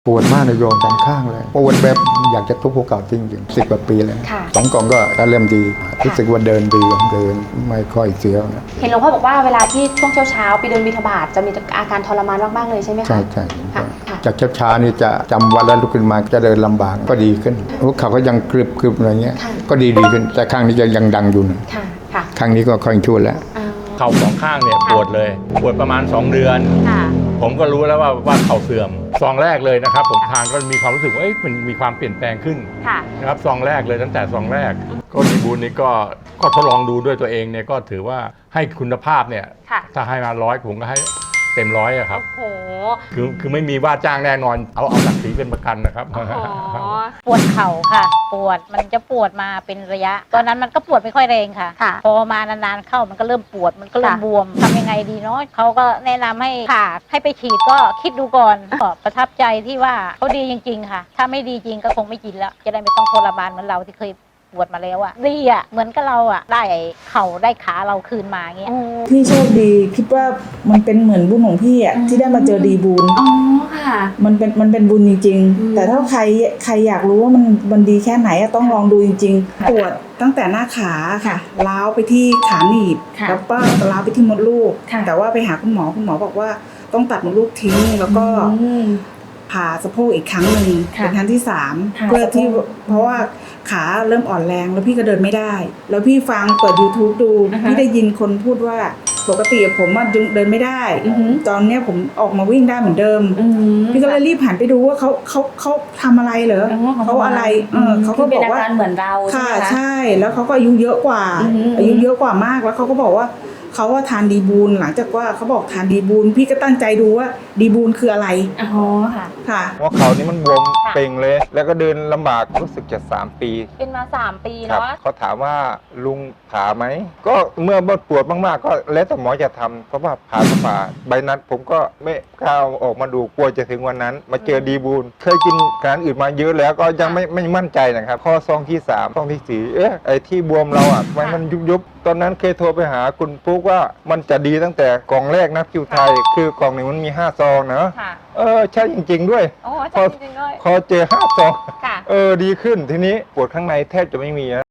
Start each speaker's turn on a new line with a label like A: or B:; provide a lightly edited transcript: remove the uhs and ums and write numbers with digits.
A: ปวดมากในโยมสองข้างเลยปวดแบบอยากจะทุบหัวเข่าจริงๆ10 กว่าปีแล้ว2 กล่องก็เริ่มดีรู้สึกว่าเดินดีเดินไม่ค่อยเสียวนะ
B: เห็นหลวงพ่อบอกว่าเวลาที่ช่วงเช้าไปเดินบิณฑบาตจะมีอาการทรมานมากๆเลยใช่ไหมคะ
A: ใช่จากเช้านี่จะจำวันแล้วลุกขึ้นมาจะเดินลำบากก็ดีขึ้นหัวเข่าก็ยังกรึบอะไรเงี้ยก็ดีขึ้นแต่ข้างนี้ยังดังอยู่นะข้างนี้ก็ค่อยชั่วแล้ว
C: เข่าสองข้างเนี่ยปวดเลยปวดประมาณ2 เดือนผมก็รู้แล้วว่าเข่าเสื่อมซองแรกเลยนะครับผมทานก็มีความรู้สึกว่ามันมีความเปลี่ยนแปลงขึ้นนะครับซองแรกเลยตั้งแต่ซองแรกก็ดีบูลนี้ก็ทดลองดูด้วยตัวเองเนี่ยก็ถือว่าให้คุณภาพเนี่ยถ้าให้มา100ผมก็ให้เต็ม100อะครับคือไม่มีว่าจ้างแน่นอนเอาศักดิ์ศรีเป็นประกันนะครับ
D: ปวดเข่าค่ะปวดมันจะปวดมาเป็นระยะตอนนั้นมันก็ปวดไม่ค่อยแรงค่ะพอมานานๆเข้ามันก็เริ่มปวดมันก็เริ่มบวมทำยังไงดีเนาะเขาก็แนะนำให้ผ่าให้ไปฉีดก็คิดดูก่อนก็ประทับใจที่ว่าเขาดีจริงๆค่ะถ้าไม่ดีจริงก็คงไม่กินแล้วจะได้ไม่ต้องทรมานเหมือนเราที่เคยปวดมาแล้วอะดีอะเหมือนกับเราอะได้เข่าได้ขาเราคืนมาเงี้ย
E: พี่โชคดีคิดว่ามันเป็นเหมือนบุญของพี่อะที่ได้มาเจอดีบุญมันเป็นบุญจริงๆแต่ถ้าใครอยากรู้ว่ามันดีแค่ไหนต้องลองดูจริงๆปวดตั้งแต่หน้าขาค่ะล้าวไปที่ขาหนีบแล้วก็ล้าวไปที่มดลูกแต่ว่าไปหาคุณหมอบอกว่าต้องตัดมดลูกทิ้งแล้วก็ผ่าสะโพกอีกครั้งหนึ่งเป็นครั้งที่3เพื่อที่เพราะว่าขาเริ่มอ่อนแรงแล้วพี่ก็เดินไม่ได้แล้วพี่ฟังเปิด YouTube ดูพี่ได้ยินคนพูดว่าปกติผมเดินไม่ได้ตอนนี้ผมออกมาวิ่งได้เหมือนเดิมพี่ก็เลยรีบหันไปดูว่าเขาทำอะไรเหรอเขาอะไรเขาก็บอกว่า
B: เหมือนเรา
E: ค่ะใช่แล้วเขาก็อายุเยอะกว่าเยอะกว่ามากแล้วเขาก็บอกว่าเขาว่าทานดีบูลหลังจากว่าเขาบอกทานดีบูลพี่ก็ตั้งใจดูว่าดีบูลคืออะไร
D: ค่ะ
C: หัวเข่านี่มันบวมเป่งเลยแล้วก็เดินลำบากรู้สึกจะ3 ปี
D: เป็นมา3 ปีเนาะ
C: เขาถามว่าลุงผ่าไหมก็เมื่อปวดมากๆก็แล้วแต่หมอจะทำเพราะว่าผ่าใบนัดผมก็ไม่กล้าออกมาดูกลัวจะถึงวันนั้นมาเจอดีบูลเคยกินการอื่นมาเยอะแล้วก็ยังไม่มั่นใจนะครับข้อซองที่3ซองที่4ไอ้ที่บวมเราอ่ะมันยุบตอนนั้นเคยโทรไปหาคุณปุ๊กว่ามันจะดีตั้งแต่กล่องแรกนะคิวไทยคือกล่องหนึ่งมันมี5 ซองนะใช่จริงๆด้วยพอเจอ5 ซองดีขึ้นทีนี้ปวดข้างในแทบจะไม่มี